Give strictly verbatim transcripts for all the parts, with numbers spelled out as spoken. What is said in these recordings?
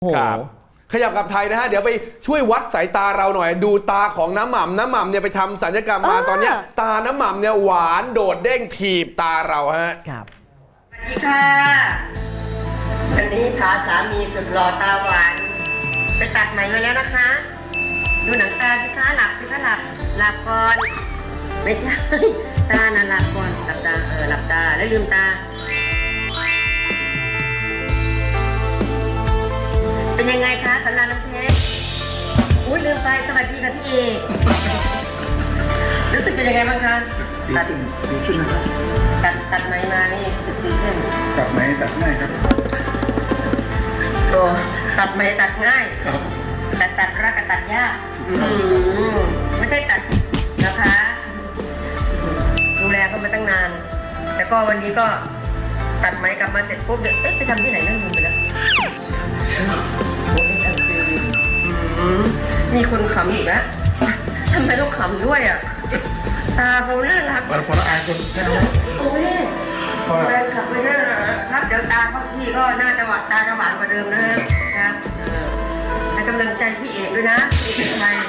ครับขยับกับไทยนะฮะเดี๋ยวไปช่วยวัดสายตาเราหน่อยดูตาของน้ำหม่ำน้ำหม่ำเนี่ยไปทำศัลยกรรมมาตอนเนี้ยตาน้ำหม่ำเนี่ยหวานโดดเด้งถีบตาเราฮะครับสวัสดีค่ะวันนี้พาสามีสุดหล่อตาหวานไปตัดไหมมาแล้วนะคะดูหนังตาสิคะหลับสิคะหลับหลับก่อนไม่ใช่ตานะหลับก่อนหลับตาเออหลับตาแล้วลืมตาเป็นยังไงคะสำนักน้ำเพชรอุ้ยลืมไปสวัสดีค่ะพี่เอกรู้สึกเป็นยังไงบ้างคะตัดดีขึ้นนะครับตัดตัดไหมมานี่รู้สึกดีขึ้นตัดไหมตัดง่ายครับโอ้ตัดไหมตัดง่ายครับตัดตัดรักกับตัดยากไม่ใช่ตัดนะคะดูแลเขามาตั้งนานแล้วก็วันนี้ก็ตัดไหมกลับมาเสร็จปุ๊บเดี๋ยวเอ๊ะไปทำที่ไหนนั่งลืมไปแล้วโอ้ยอันซีมีคนขำอยู่นะทำไมต้องขำด้วยอ่ะตาเขาน่ารักพอละอายคนโอ้ยแฟนขับไปน่ารักครับเดี๋ยวตาเข้าที่ก็น่าจะหวานตาจะหวานกว่าเดิมนะครับให้กำลังใจพี่เอกด้วยนะพี่ชัย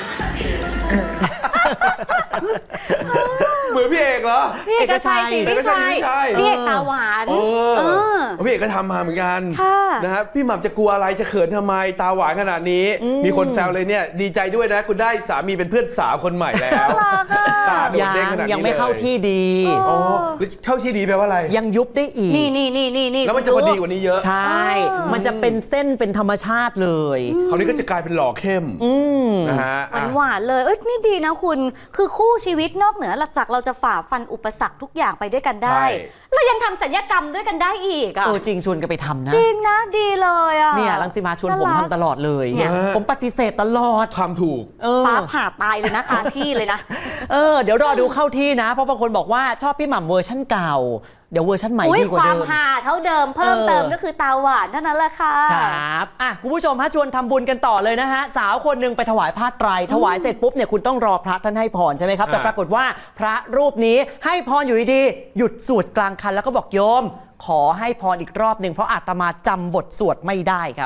เหมือนพี่เอกเหรอพี่เอกชัยสิพี่ชัยพี่เอกตาหวานพี่เอกก็ทำมาเหมือนกันนะครับพี่หม่ำจะกลัวอะไรจะเขินทำไมตาหวานขนาดนี้มีคนแซวเลยเนี่ยดีใจด้วยนะคุณได้สามีเป็นเพื่อนสาวคนใหม่แล้วตาโดดเด้งขนาดนี้ยังไม่เข้าที่ดีอ๋อเข้าที่ดีแปลว่าอะไรยังยุบได้อีกนี่นี่นี่นี่นี่แล้วมันจะพอดีกว่านี้เยอะใช่มันจะเป็นเส้นเป็นธรรมชาติเลยคราวนี้ก็จะกลายเป็นหล่อเข้มนะฮะหวานหวานเลยเอ้ยนี่ดีนะคุณคือคู่ชีวิตนอกเหนือจากเราจะฝ่าฟันอุปสรรคทุกอย่างไปด้วยกันได้แล้วยังทำศัลยกรรมด้วยกันได้อีกอ่ะเออจริงชวนกันไปทำนะจริงนะดีเลยอ่ะเนี่ยรังสิมาชวนผมทำตลอดเลยผมปฏิเสธตลอดทำถูกฟ้าผ่าตายเลยนะคะที่เลยนะเออเดี๋ยวรอดูเข้าที่นะเพราะบางคนบอกว่าชอบพี่หม่ำเวอร์ชั่นเก่าเดี๋ยวเวอร์ชันใหม่ดีกว่าเดิมความหาเท่าเดิมเพิ่มเติมก็คือตาหวานเท่านั้นแหละค่ะครับอ่ะคุณผู้ชมฮะชวนทำบุญกันต่อเลยนะฮะสาวคนหนึ่งไปถวายผ้าไตรถวายเสร็จปุ๊บเนี่ยคุณต้องรอพระท่านให้พรใช่ไหมครับแต่ปรากฏว่าพระรูปนี้ให้พรอยู่ดีๆหยุดสวดกลางคันแล้วก็บอกโยมขอให้พรอีกรอบหนึ่งเพราะอาตมาจำบทสวดไม่ได้ครับ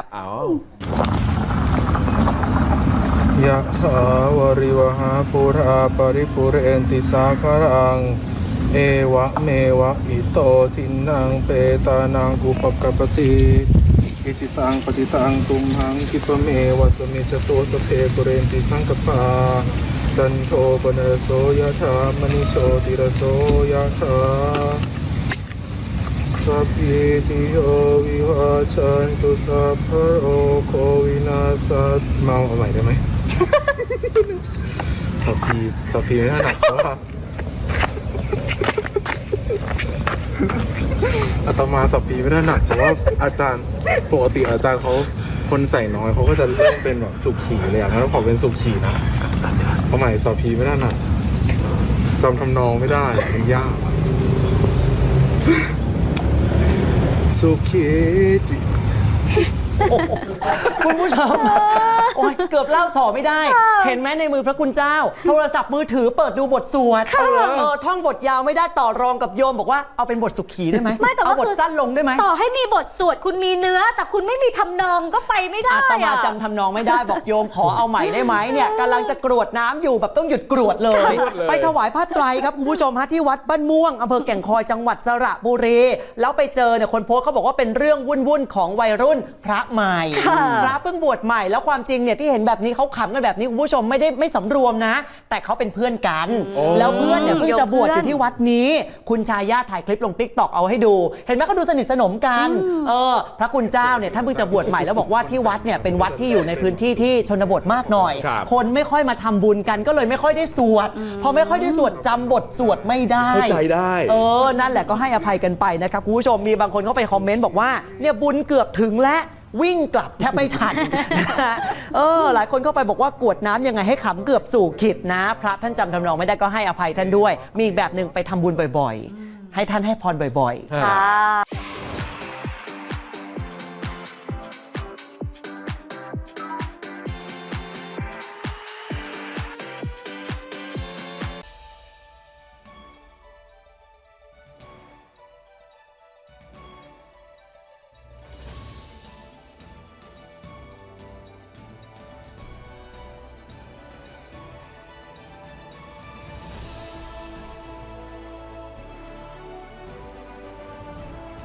ยะถาวริวหาปุราปริปุเรนติสาคารังเอวะเมวะอิโตทินังเปตานังกุปกปติกิจิตังปฏิตังตุมหังคิปเมวะสมิจโตสเพปุเรนติสังกปาจันโทปนรโสยะถามณิโชติรโสยะถาสัพพิติโยวิวาชันตุสัพพะโรโควินาศเมาเอาใหม่ได้ไหม สัพพีสัพพีไม่ถนัดเพราะว่าอาตมาสัพพีไม่ถนัดเพราะว่าอาจารย์ปกติอาจารย์เขาคนใส่น้อยเขาก็จะเริ่มเป็นแบบสุขีเลยอ่ะงั้นขอเป็นสุขีนะเพราะใหม่สัพพีไม่ถนัดจำทำนองไม่ได้มันยากสุขีคุณผู้ชมโอ้ยเกือบเล่าต่อไม่ได้เห็นไหมในมือพระคุณเจ้าโทรศัพท์มือถือเปิดดูบทสวดเออท่องบทยาวไม่ได้ต่อรองกับโยมบอกว่าเอาเป็นบทสุขีได้ไหมเอาบทสั้นลงได้ไหมต่อให้มีบทสวดคุณมีเนื้อแต่คุณไม่มีทำนองก็ไปไม่ได้อาตมาจำทำนองไม่ได้บอกโยมขอเอาใหม่ได้ไหมเนี่ยกำลังจะกรวดน้ำอยู่แบบต้องหยุดกรวดเลยไปถวายผ้าไตรครับคุณผู้ชมฮะที่วัดบ้านม่วงอำเภอแก่งคอยจังหวัดสระบุรีแล้วไปเจอเนี่ยคนโพสต์เขาบอกว่าเป็นเรื่องวุ่นๆของวัยรุ่นพระใหม่พระเพิ่งบวชใหม่แล้วความจริงเนี่ยที่เห็นแบบนี้เขาขำกันแบบนี้คุณผู้ชมไม่ได้ไม่สำรวมนะแต่เขาเป็นเพื่อนกันแล้วเพื่อนเนี่ยเพิ่งจะบวชอยู่ที่วัดนี้คุณชายาถ่ายคลิปลง ติ๊กต็อก เอาให้ดูเห็นไหมเขาดูสนิทสนมกันเออพระคุณเจ้าเนี่ยท่านเพิ่งจะบวชใหม่แล้วบอกว่าที่วัดเนี่ยเป็นวัดที่อยู่ในพื้นที่ที่ชนบทมากหน่อยคนไม่ค่อยมาทำบุญกันก็เลยไม่ค่อยได้สวดพอไม่ค่อยได้สวดจำบทสวดไม่ได้เข้าใจได้เออนั่นแหละก็ให้อภัยกันไปนะครับคุณผู้ชมมีบางคนเข้าไปคอมเมนต์บอกว่าเนี่ยบุญเกือบถึงแล้ววิ่งกลับแทบไม่ทันเออหลายคนเข้าไปบอกว่ากวดน้ำยังไงให้ขำเกือบสู่ขิดนะพระท่านจำทำนองไม่ได้ก็ให้อภัยท่านด้วยมีอีกแบบหนึ่งไปทำบุญบ่อยๆให้ท่านให้พรบ่อยๆ